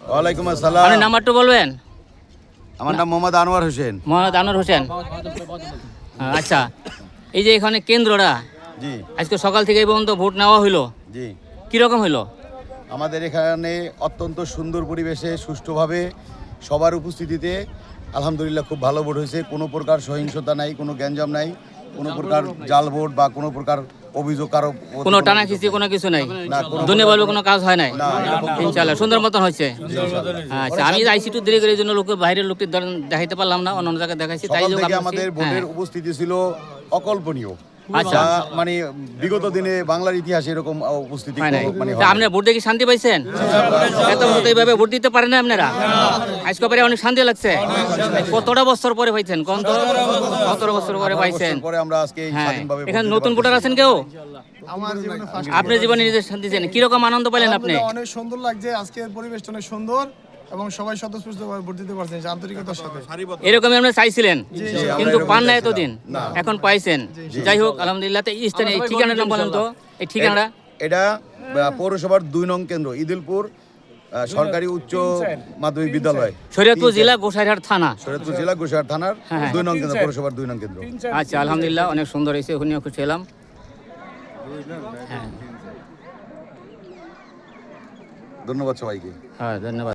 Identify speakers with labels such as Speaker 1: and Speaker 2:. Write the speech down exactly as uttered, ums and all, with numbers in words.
Speaker 1: ওয়ালাইকুম আসসালাম।
Speaker 2: আপনার নাম্বারটা বলবেন?
Speaker 1: আমার নাম মোহাম্মদ আনোয়ার হোসেন।
Speaker 2: মোহাম্মদ আনোয়ার হোসেন। আচ্ছা, এই যে এখানে কেন্দ্রটা
Speaker 1: জি
Speaker 2: আজকে সকাল থেকে এই পর্যন্ত ভোট নেওয়া হইলো,
Speaker 1: জি
Speaker 2: কীরকম হইলো?
Speaker 1: আমাদের এখানে অত্যন্ত সুন্দর পরিবেশে সুষ্ঠুভাবে সবার উপস্থিতিতে আলহামদুলিল্লাহ খুব ভালো ভোট হয়েছে। কোনো প্রকার সহিংসতা নাই, কোনো গ্যাঞ্জাম নাই, কোনো প্রকার জাল ভোট বা কোনো প্রকার অভিযোগ কারো
Speaker 2: কোনো টানা খিচি কোনো কিছু নাই,
Speaker 1: না, কোনো
Speaker 2: দুনিয়া বলবে কোনো কাজ হয় নাই।
Speaker 1: না, এরকম কোনো-
Speaker 2: ইনশাআল্লাহ সুন্দর মতন হয়েছে। আচ্ছা, আমি আইসি একটু দেরি করে এই জন্য লোকে বাইরের লোকটি ধরেন দেখাইতে পারলাম না, অন্য অন্য জায়গায় দেখাইছি। তাই
Speaker 1: সকাল
Speaker 2: যোগ
Speaker 1: থেকে
Speaker 2: আপনার
Speaker 1: আমাদের
Speaker 2: কাছে-
Speaker 1: ভোটের
Speaker 2: হ্যাঁ।
Speaker 1: উপস্থিতি ছিল অকল্পনীয়।
Speaker 2: আচ্ছা।
Speaker 1: যা মানে বিগত দিনে বাংলার ইতিহাসে এরকম উপস্থিতি
Speaker 2: হয় নাই।
Speaker 1: কোনো- মানে
Speaker 2: তা
Speaker 1: হয় নাই।
Speaker 2: আপনার ভোট দেখে শান্তি পাইছেন? এত বছর তো এইভাবে ভোট দিতে পারেন না আপনারা, আজকে পরে অনেক শান্তি লাগছে। কতটা বছর পরে পাইছেন কোন তো? সতেরো বছর পরে পাইছেন।
Speaker 1: বছর পরে আমরা আজকে এই
Speaker 2: হ্যাঁ,
Speaker 1: স্বাধীনভাবে ভোট
Speaker 2: এখানে
Speaker 1: দিতে
Speaker 2: নতুন
Speaker 1: পারতেছি।
Speaker 2: ভোটার আছেন কেউ?
Speaker 3: আমার জীবনে ফার্স্ট
Speaker 2: আপনার জীবনে নিজের শান্তি দিয়েছেন, কিরকম আনন্দ পেলেন আপনি?
Speaker 3: অনেক সুন্দর লাগছে, আজকের পরিবেশটা অনেক সুন্দর এবং সবাই স্বতঃস্ফূর্তভাবে ভোট দিতে পারছেন আন্তরিকতার সাথে।
Speaker 2: এরকমই আপনি চাইছিলেন কিন্তু
Speaker 1: আমরা
Speaker 2: পান না
Speaker 1: এরকম
Speaker 2: এতদিন,
Speaker 1: না।
Speaker 2: এখন পাইছেন। যাই হোক আলহামদুলিল্লাহ। তো এই স্থানে এই ঠিকানার নাম বলেন তো, এই ঠিকানাটা?
Speaker 1: এটা আহ, পৌরসভার দুই নং কেন্দ্র ইদিলপুর আহ, সরকারি উচ্চ মাধ্যমিক বিদ্যালয়,
Speaker 2: শরীয়তপুর জেলা গোসাইরহাট থানা।
Speaker 1: শরীয়তপুর জেলা গোসাইরহাট থানার
Speaker 2: হ্যাঁ।
Speaker 1: দুই নং কেন্দ্র, পৌরসভার দুই নং কেন্দ্র।
Speaker 2: আচ্ছা, আলহামদুলিল্লাহ অনেক সুন্দর হয়েছে, ওখানেও খুশি হলাম। হ্যাঁ
Speaker 1: ধন্যবাদ সবাইকে।
Speaker 2: হ্যাঁ, ধন্যবাদ।